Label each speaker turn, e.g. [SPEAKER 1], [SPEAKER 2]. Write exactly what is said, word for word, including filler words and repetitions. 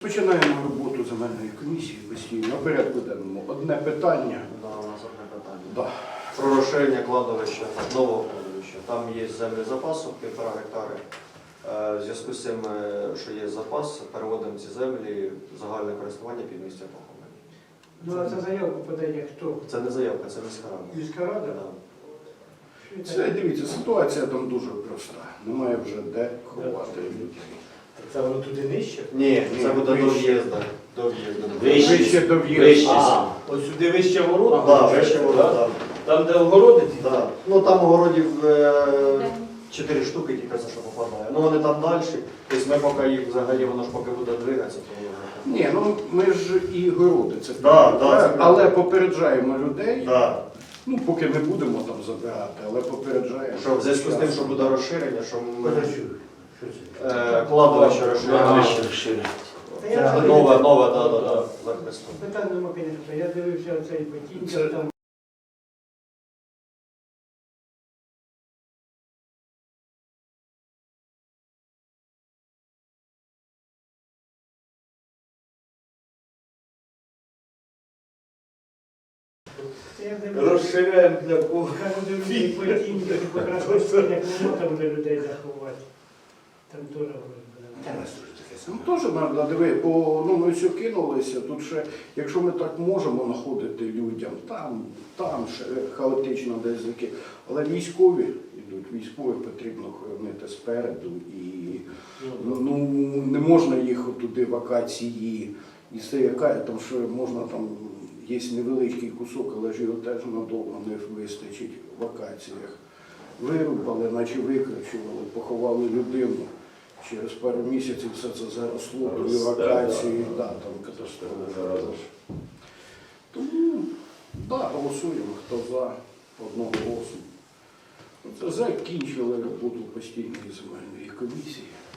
[SPEAKER 1] Починаємо роботу земельної комісії постійно. На порядку денному одне питання.
[SPEAKER 2] Да, у нас одне питання.
[SPEAKER 1] Да.
[SPEAKER 2] Про розширення кладовища, нового кладовища. Там є землі запасу, півтора гектари. Е, В зв'язку з цим, е, що є запас, переводимо ці землі в загальне користування під місця поховання.
[SPEAKER 3] Ну, а це заявку подає хто?
[SPEAKER 2] Це не заявка, це міська рада.
[SPEAKER 3] Міська рада?
[SPEAKER 2] Да.
[SPEAKER 1] Це, дивіться, ситуація там дуже проста. Немає вже де ховати людей.
[SPEAKER 3] Це воно туди нижче?
[SPEAKER 2] Ні, це
[SPEAKER 1] Ні,
[SPEAKER 2] буде до
[SPEAKER 1] вище.
[SPEAKER 2] в'їзду. До в'їзду.
[SPEAKER 4] Вище.
[SPEAKER 1] Вище до
[SPEAKER 4] Вище.
[SPEAKER 1] в'їзду.
[SPEAKER 4] А, ось сюди вище ворот?
[SPEAKER 2] Да, вище вода, да.
[SPEAKER 4] Там, де огородиці?
[SPEAKER 2] Да. Ну там огородів е, чотири штуки тільки за що попадає. Ну вони там далі. Тобто ми поки їх взагалі, воно ж поки буде двигатися, то воно.
[SPEAKER 1] Ні, ну ми ж і городи це
[SPEAKER 2] Да,
[SPEAKER 1] правильно,
[SPEAKER 2] да, це
[SPEAKER 1] але попереджаємо людей.
[SPEAKER 2] Да.
[SPEAKER 1] Ну, поки не будемо там забирати, але попереджаємо.
[SPEAKER 2] Що в зв'язку з тим, що буде розширення, що ми
[SPEAKER 3] Що це?
[SPEAKER 2] е, кладовище розширення.
[SPEAKER 3] Та я
[SPEAKER 2] Це
[SPEAKER 3] вже-
[SPEAKER 2] Нове, нове, да, да, да, захисту.
[SPEAKER 3] Питань нема, звісно. Я дивився оцей
[SPEAKER 1] Це-
[SPEAKER 3] потіння, там я дивився.
[SPEAKER 4] Розширяємо для кого?
[SPEAKER 3] Кажу, дивлюся, потіння, покрасився, як воно там буде людей заховати. Там теж
[SPEAKER 1] Та
[SPEAKER 3] буде.
[SPEAKER 1] нас дуже таке саме. Ну, теж треба диви, бо ну, ми все кинулися. Тут ще, якщо ми так можемо знаходити людям, там, там ще хаотично десь заки. Але військові йдуть, військових потрібно хоронити спереду. І ну, не можна їх туди вакації. І все яка, тому що можна там, є невеличкий кусок, але ж його теж надовго не вистачить в вакаціях. Вирубали, наче викричували, поховали людину. Через пару місяців все це заросло, до евакуації, да, там катастрофа. Тому, да, голосуємо, хто за одного голосу. Це закінчили роботу постійної земельної комісії.